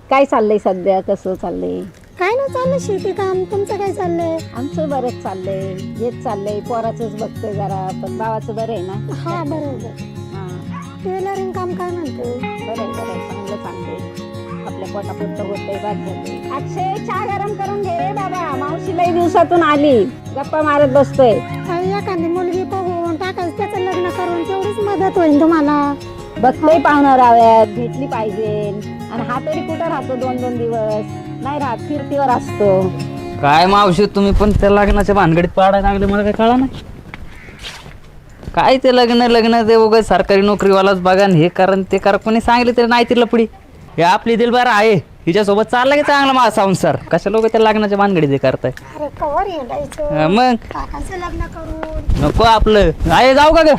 काय चाललंय सध्या, कसं चाललंय? काय नाही चाललं शेती काम. तुमचं काय चाललंय? आमचं बरंच चाललंय, हेच चाललंय. पोराचंच बघतोय जरा, पण भावाचं बरं आहे ना? हा बरोबर. हां टेलरिंग काम काय म्हणते? बरं आहे चांगलं चाललंय. आपल्या पोटापुरतं होतंय, बाद झालंय. अक्षय चहा गरम करून घे रे बाबा, मावशी लई दिवसातून आली, गप्पा मारत बसतोय. एखादी मुलगी बघून टाकायचं, त्याचं लग्न करून तेवढीच मदत होईल तुम्हाला. बघतोय पाहुणा राव्यात, भेटली पाहिजे. आणि हा तरी कुठं राहतो 2-2 दिवस? नाही राहत, फिरतीवर असतो. काय मावशी तुम्ही पण त्या लग्नाच्या भानगडीत पाडायला लागले, मला काय कळा नाही. काय ते लग्न ते उगाच सरकारी नोकरीवालाच बघा, हे कारण ते करा, कोणी सांगितलं तरी नाही तिला पुढे. हे आपली दिलबार आहे, हिच्यासोबत चालला की चांगला माझा संसार. कशा लोक त्या लग्नाच्या भानगडीत हे करताय? अरे कवर येडायचं मग टाकायचं लग्न करून. नको आपलं आहे, जाऊ का ग?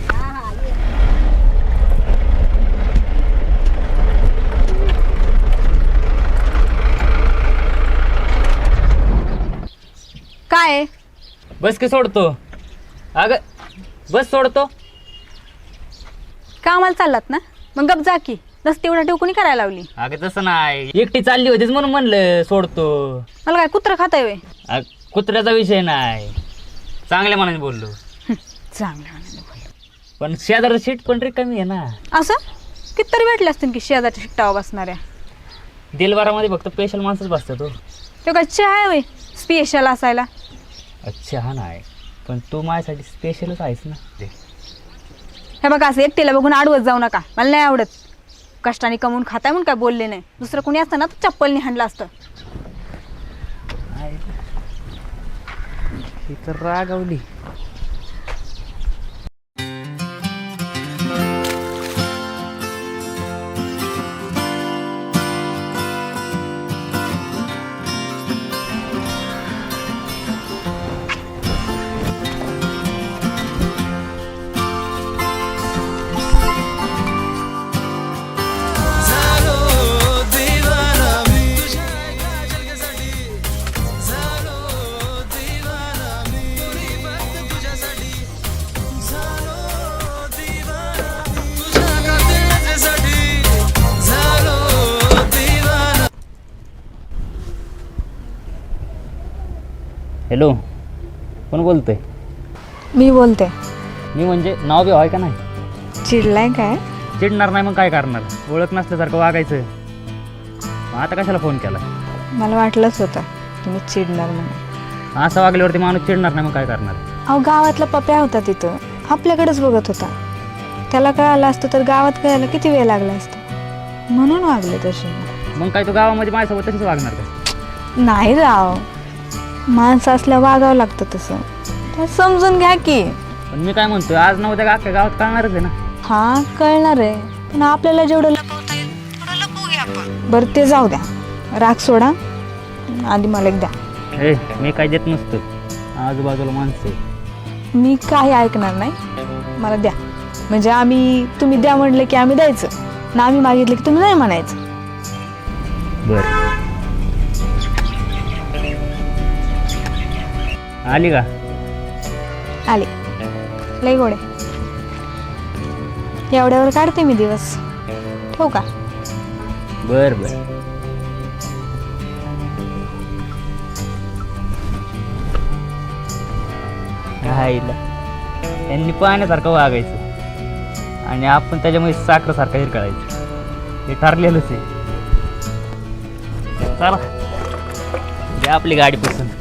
काय बस की सोडतो. अगं बस सोडतो. कामाला चाललात ना, मग गप जा की. नसते एवढा ठेव कोणी करायला लावली? अगं तसं नाही, एकटी चालली होतीच म्हणून म्हणलं सोडतो. मला काय कुत्र खाताय वे? कुत्र्याचा विषय नाही, चांगल्या मनाने बोललो. चांगलं पण शेजारचं सीट पण रिकामी आहे ना. असं कितीतरी भेटले असतील की शेजारच्या शिट्टावा बसणाऱ्या. दिलबारामध्ये फक्त स्पेशल माणसंच बसतात. तो तो काय चहा आहे वे स्पेशल असायला? अच्छा हा नाही, पण तू माझ्यासाठी स्पेशलच आहेस ना. हे बघा, असं एकटीला बघून आडवत जाऊ नका, मला नाही आवडत. कष्टाने कमवून खाताय म्हणून काय बोलले नाही. दुसरं कोणी असतं ना तर चप्पलने हाणलं असतं. ही तर रागावली. हॅलो, कोण बोलतोय? मी बोलते. मी म्हणजे नाव बी आहे का नाही? चिडलाय काय? चिडणार नाही मग काय करणार, ओळख नसल्यासारखं वागायचं. मग आता कशाला फोन केला? मला वाटलंच होतं तुम्ही चिडणार म्हणून. असं वागल्यावरती माणूस चिडणार नाही मग काय करणार? अहो, गावातला पप्या होता तिथं, आपल्याकडेच बघत होता. त्याला कळालं असतं तर गावात कळायला किती वेळ लागला असता, म्हणून वागले तसे. मग काय तू गावामध्ये माझ्यासोबत तशीच वागणार का? नाही राव, माणसं असल्या वागावं लागतं तसं, तर समजून घ्या की. पण मी काय म्हणतोय, आज ना उद्या अख्ख्या गावात कळणारच आहे ना. हा कळणार आहे, पण आपल्याला जेवढं लपवता येईल तेवढं लपवूया आपण. बरं ते जाऊ द्या, राग सोडा, आधी मला एक द्या. ए मी काय देत नसतो, आजूबाजूला माणसं आहे. मी काही ऐकणार नाही, मला द्या. म्हणजे तुम्ही द्या म्हटलं की आम्ही द्यायचं ना, आम्ही मागितलं की तुम्ही नाही म्हणायचं. बर आली का? आले. लय गोडे, एवढ्यावर काढते मी दिवस. ठेवू का? बर बर. राहिला त्यांनी पाहण्यासारखं वागायचं आणि आपण त्याच्यामुळे साखरेसारखं हिरकळायचं. हे ठरलेलंच आहे. चला द्या आपली गाडी पसंत.